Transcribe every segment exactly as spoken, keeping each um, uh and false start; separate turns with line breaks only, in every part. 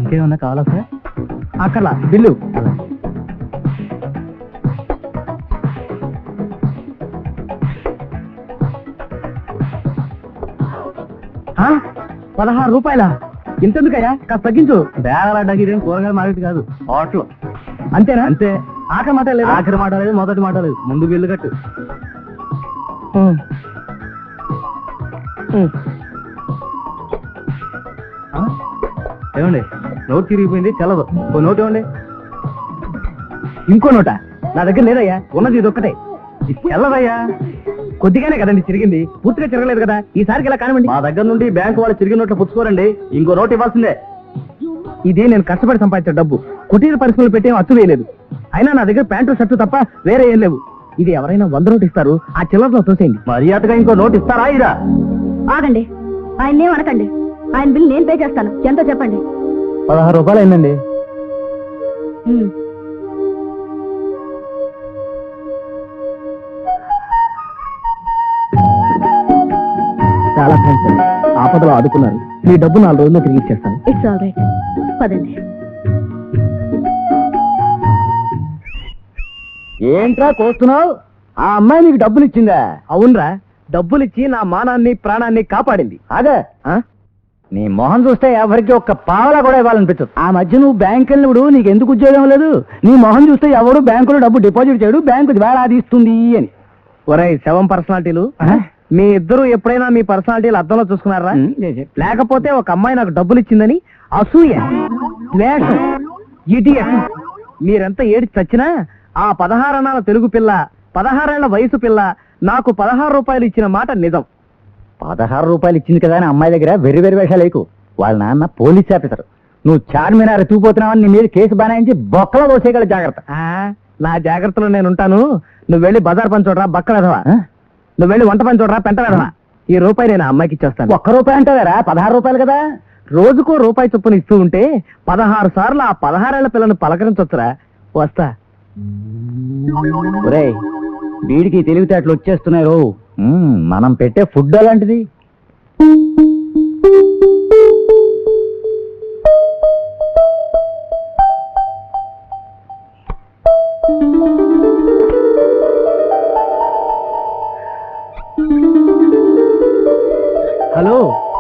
ఇంకేమన్నా కావాలా సార్? అక్కర్లా, బిల్లు. పదహారు రూపాయల ఇంతెందుకయ్యా? కాస్త తగ్గించు. బేగలాడ్డానికి ఇదేం కూరగాయల మార్కెట్ కాదు, హోటల్. అంతేనా? అంతే. ఆఖరి మాట లేదు. ఆఖరి మాట లేదు, మొదటి మాట లేదు. ముందు బిల్లు కట్టు. ఏమండి, నోట్ తిరిగిపోయింది, చల్లదు. ఓ నోట్ ఇవ్వండి. ఇంకో నోటా? నా దగ్గర లేదయ్యా, ఉన్నది ఇది ఒక్కటే. చల్లదయ్యా. కొద్దిగానే కదండి తిరిగింది, పూర్తిగా తిరగలేదు కదా. ఈసారికి ఇలా కానివ్వండి. మా దగ్గర నుండి బ్యాంకు వాళ్ళు తిరిగిన నోట్లు పుచ్చుకోరండి, ఇంకో నోట్ ఇవ్వాల్సిందే. ఇదే నేను కష్టపడి సంపాదించిన డబ్బు. కుటీర పరిశ్రమలు పెట్టే అచ్చు వేయలేదు. అయినా నా దగ్గర ప్యాంటు షర్టు తప్ప వేరే ఏం లేవు. ఇది ఎవరైనా వంద నోటు ఇస్తారు, ఆ చిల్లరలో తోసేయండి. మర్యాదగా ఇంకో నోట్ ఇస్తారా? ఇదా?
ఆగండి, ఆయన్నేం అనకండి. ఆయన బిల్ నేను పే చేస్తాను. ఎంతో చెప్పండి.
పదహారు రూపాయలు అయిందండి. చాలా థ్యాంక్స్ అండి, ఆపదలో ఆదుకున్నారు. మీ డబ్బు నాలుగు రోజుల్లో తిరిగి ఇచ్చేస్తాను.
ఇట్స్ ఆల్ రైట్, పదండి.
ఏంట్రా కోస్తున్నావు? ఆ అమ్మాయి నీకు డబ్బులు ఇచ్చిందా? అవునరా, డబ్బులు ఇచ్చి నా మానాన్ని ప్రాణాన్ని కాపాడింది. అదే నీ మొహం చూస్తే ఎవరికి ఒక్క పావలా కూడా ఇవ్వాలనిపించదు. ఆ మధ్య నువ్వు బ్యాంక్ వెళ్ళినప్పుడు నీకు ఎందుకు ఉద్యోగం లేదు? నీ మొహం చూస్తే ఎవరు బ్యాంకులో డబ్బు డిపాజిట్ చేయడు, బ్యాంకు వేలాది ఇస్తుంది అని. ఒరే శవం పర్సనాలిటీలు, మీ ఇద్దరు ఎప్పుడైనా మీ పర్సనాలిటీలు అద్దంలో చూసుకున్నారా? లేకపోతే ఒక అమ్మాయి నాకు డబ్బులు ఇచ్చిందని అసూయ, ద్వేషం, ఇడియట్. మీరెంత ఏడి చచ్చినా ఆ పదహారనాల తెలుగు పిల్ల, పదహారేళ్ల వయసు పిల్ల నాకు పదహారు రూపాయలు ఇచ్చిన మాట నిజం. పదహారు రూపాయలు ఇచ్చింది కదా అని అమ్మాయి దగ్గర వెర్రి వెర్రి వేషాలు లేకు. వాళ్ళ నాన్న పోలీస్ ఆఫీసర్. నువ్వు చార్మినార్ తూపోతున్నావని నీ మీద కేసు బనాయించి బొక్కలో దోసేయగల జాగ్రత్త. నా జాగ్రత్తలో నేను ఉంటాను. నువ్వు వెళ్ళి బజార్ పని చూడరా బక్కలేదవా, నువ్వు వెళ్ళి వంట పని చూడరా పెంట వేదవా. ఈ రూపాయి నేను అమ్మాయికి ఇచ్చేస్తాను. ఒక్క రూపాయి అంటారా? పదహారు రూపాయలు కదా. రోజుకో రూపాయి చొప్పున ఇస్తూ ఉంటే పదహారు సార్లు ఆ పదహారేళ్ల పిల్లను పలకరించొచ్చురా. వస్తా. ఒరేయ్, వీడికి తెలివితేటలు వచ్చేస్తున్నాయి రో. మనం పెట్టే ఫుడ్ అలాంటిది. హలో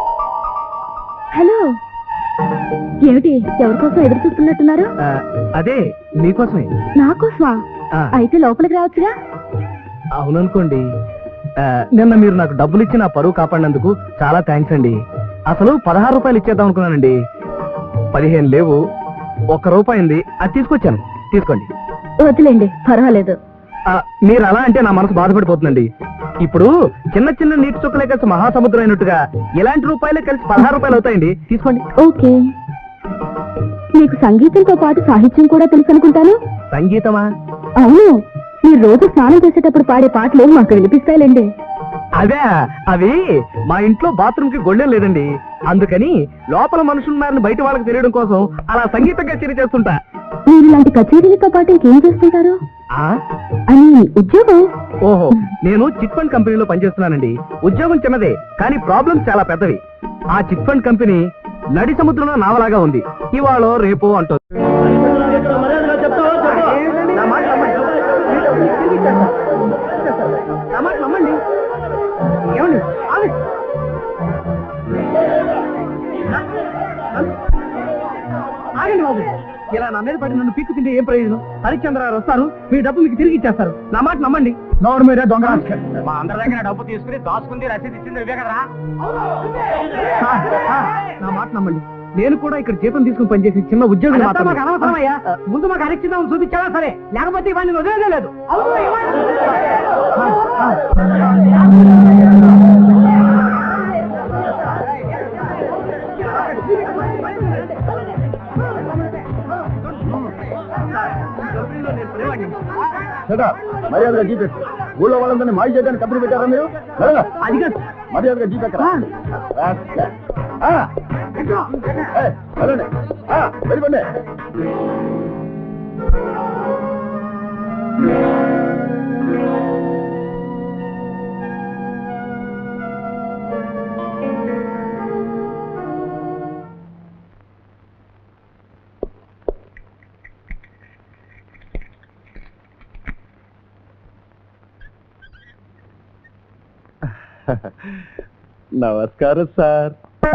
హలో, ఏమిటి ఎవరికోసం ఎదురు చూస్తున్నట్టున్నారు?
అదే మీకోసమే.
నాకోసమా? అయితే లోపలికి రావచ్చుగా.
అవుననుకోండి. నిన్న మీరు నాకు డబ్బులు ఇచ్చి నా పరువు కాపాడినందుకు చాలా థ్యాంక్స్ అండి. అసలు పదహారు రూపాయలు ఇచ్చేద్దాం అనుకున్నానండి. పదిహేను లేవు, ఒక్క రూపాయి ఉంది, అది తీసుకొచ్చాను. తీసుకోండి.
వదిలేండి, పర్వాలేదు.
మీరు అలా అంటే నా మనసు బాధపడిపోతుందండి. ఇప్పుడు చిన్న చిన్న నీటి చుక్కలే కలిసి మహాసముద్రం అయినట్టుగా ఇలాంటి రూపాయలే కలిసి పదహారు రూపాయలు అవుతాయండి. తీసుకోండి.
ఓకే. మీకు సంగీతంతో పాటు సాహిత్యం కూడా తెలుసు అనుకుంటాను.
సంగీతమా?
అవును, మీరు రోజు స్నానం చేసేటప్పుడు పాడే పాటలు మాకు వినిపిస్తాయిలేండి.
అదే, అవి మా ఇంట్లో బాత్రూమ్ కి గొళ్ళెం లేదండి, అందుకని లోపల మనుషులున్నారని బయట వాళ్ళకి తెలియడం కోసం అలా సంగీత కచేరీ చేస్తుంటా.
మీరు ఇలాంటి కచేరీలతో పాటు ఇంకేం చేస్తుంటారు? అని ఉద్యోగం?
ఓహో, నేను చిట్ ఫండ్ కంపెనీలో పనిచేస్తున్నానండి. ఉద్యోగం చిన్నదే, కానీ ప్రాబ్లమ్స్ చాలా పెద్దవి. ఆ చిట్ ఫండ్ కంపెనీ నడి సముద్రంలో నావలాగా ఉంది. ఇవాళ రేపు అంటుంది. ఏమండి, ఆగండి బాబు. ఇలా నా మీద పడి నన్ను పీక్కు తింటే ఏం ప్రయోజనం? హరిశ్చంద్ర గారు వస్తారు, మీ డబ్బు మీకు తిరిగి ఇచ్చేస్తారు. నా మాట నమ్మండి. నోరు మీరే దొంగ. మా అందరి దగ్గర డబ్బు తీసుకుని దాచుకుంది, రసీదు ఇచ్చింది ఇవే కదరా. నా మాట నమ్మండి. నేను కూడా ఇక్కడ జీతం తీసుకుని పనిచేసి చిన్న ఉద్యోగం. అనవసరమయ్యా, ముందు మాకు హరిశ్చంద్రం చూపించాలా సరే, లేకపోతే ఇవన్నీ వదిలేదే లేదు.
మర్యాదగా జీపెట్టు. ఊళ్ళో వాళ్ళందరినీ మాయ చేయడానికి కంపెనీ పెట్టారా మీరు?
అది కాదు,
మర్యాదగా జీపెట్టరా. వెళ్ళిపోండి. నమస్కారం సార్.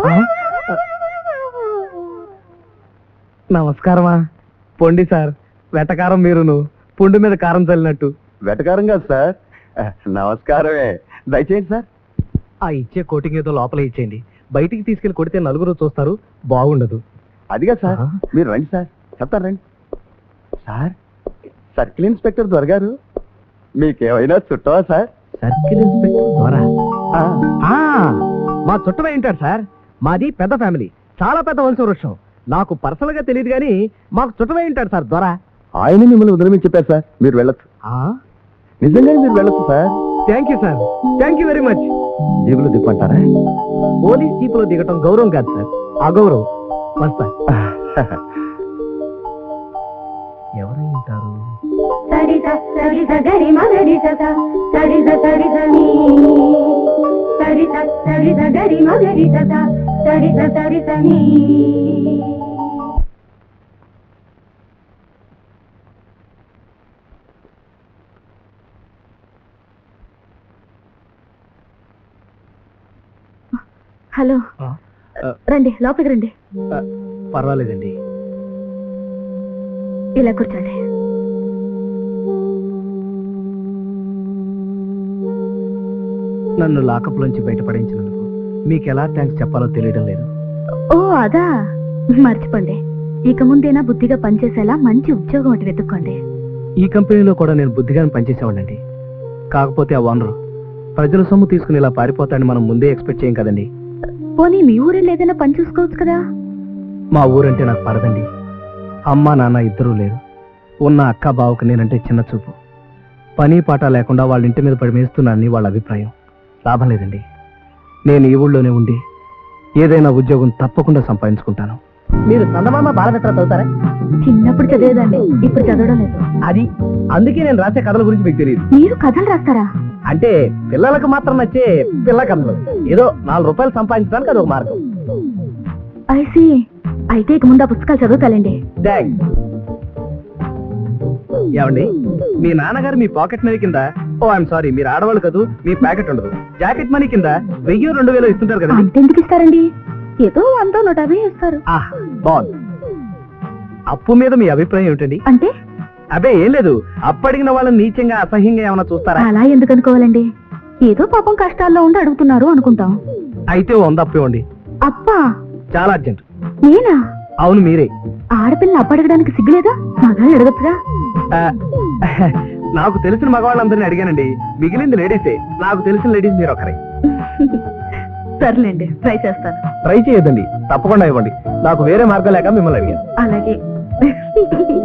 నమస్కారమా. పొండి సార్, వెటకారం మీరును, పుండు మీద కారం చల్లినట్టు.
వెటకారం కాదు సార్, నమస్కారమే. దయచేయండి సార్.
ఆ ఇచ్చే కోటింగ్ ఏదో లోపల ఇచ్చేయండి. బయటికి తీసుకెళ్లి కొడితే నలుగురు చూస్తారు, బాగుండదు.
అదిగా సార్,
ఆ?
మీరు రండి సార్, చెప్తాను రండి. సార్, సర్కిల్ ఇన్స్పెక్టర్ దొరగారు మీకేమైనా చుట్టవా సార్?
సర్కిల్ ఇన్స్పెక్టర్ ద్వారా
ఆ,
ఆ, మా చుట్టమే ఉంటాడు సార్. మాది పెద్ద ఫ్యామిలీ, చాలా పెద్ద వంశ వృక్షం. నాకు పర్సనల్ గా తెలియదు కానీ మాకు చుట్టమే ఉంటాడు సార్ ద్వారా.
ఆయన మిమ్మల్ని వదిలేమని చెప్పారు సార్, మీరు వెళ్ళొచ్చు. నిజంగానే మీరు వెళ్ళొచ్చు sir.
Thank you sir, thank you very much.
జీబులు దిప్పంటారా?
పోలీస్ జీపులో దిగటం గౌరవం కాదు సార్, అగౌరవం. వస్తా. ఎవరై ఉంటారు?
సరిత సరిత గరి మగరి సత సరిత సరిత నీ సరిత సరిత గరి మగరి సత సరిత సరిత నీ. హలో,
ఆ, ఆ,
రండి లోపలికి రండి.
ఆ, పర్వాలేదండి.
ఇలా కూర్చోండి.
నన్ను లాకప్ లోంచి బయటపడించినందుకు మీకు ఎలా థ్యాంక్స్ చెప్పాలో తెలియడం లేదు.
ఓ అదా, మర్చిపోండి. ఇక ముందేనా బుద్ధిగా పనిచేసేలా మంచి ఉద్యోగం ఒకటి వెతుక్కోండి.
ఈ కంపెనీలో కూడా నేను బుద్ధిగానే పనిచేసేవాడండి. కాకపోతే ఆ ఓనరు ప్రజల సొమ్ము తీసుకుని ఇలా పారిపోతాడని మనం ముందే ఎక్స్పెక్ట్ చేయం కదండి.
పోనీ మీ ఊరిలో ఏదైనా పని చూసుకోవచ్చు కదా.
మా ఊరంటే నాకు పడదండి. అమ్మ నాన్న ఇద్దరూ లేరు. ఉన్న అక్క బావకు నేనంటే చిన్న చూపు. పని పాట లేకుండా వాళ్ళ ఇంటి మీద పడి మేస్తున్నానని వాళ్ళ అభిప్రాయం. లాభం లేదండి. నేను ఈ ఊళ్ళోనే ఉండి ఏదైనా ఉద్యోగం తప్పకుండా సంపాదించుకుంటాను. మీరు చందమామ బాలమిత్ర చదువుతారా?
చిన్నప్పుడు చదివేదండి, ఇప్పుడు చదవడం లేదు.
అది అందుకే నేను రాసే కథల గురించి మీకు తెలియదు.
మీరు కథలు రాస్తారా?
అంటే పిల్లలకు మాత్రం నచ్చే పిల్ల కథలు. ఏదో నాలుగు రూపాయలు సంపాదించడానికి అది ఒక మార్గం.
ఐసి, అయితే ఇక ముందు ఆ పుస్తకాలు చదువుతాలండి.
థ్యాంక్స్. ఏమండి, మీ నాన్నగారు మీ పాకెట్ మనీ కింద, ఓ ఐఎమ్ సారీ, మీరు ఆడవాళ్ళు కదూ, మీ ప్యాకెట్ ఉండదు, జాకెట్ మనీ కింద వెయ్యి రెండు వేలు ఇస్తుంటారు కదండి.
అంతెందుకు ఇస్తారండి? ఏదో వంద నూట యాభై ఇస్తారు.
ఆహ్, బాగుంది. అప్పు మీద మీ అభిప్రాయం ఏమిటండి?
అంటే
అబే ఏం లేదు, అప్పు అడిగిన వాళ్ళని నీచంగా అసహ్యంగా ఏమైనా చూస్తారా?
అలా ఎందుకు అనుకోవాలండి? ఏదో పాపం కష్టాల్లో ఉండి అడుగుతున్నారు అనుకుంటాం.
అయితే వంద అప్పు ఇవ్వండి.
అప్పా?
చాలా అర్జెంట్.
నేనా?
అవును మీరే.
ఆడపిల్లని అప్పు అడగడానికి సిగ్గులేదా? మగాళ్ళు అడగచ్చుగా.
ఆ, నాకు తెలిసిన మగవాళ్ళందరినీ అడిగానండి, మిగిలింది లేడీసే. నాకు తెలిసిన లేడీస్ మీరు ఒకరే.
సర్లేండి, ట్రై చేస్తాను.
ట్రై చేయొద్దండి, తప్పకుండా ఇవ్వండి. నాకు వేరే మార్గం లేక మిమ్మల్ని అడిగాను.
అలాగే.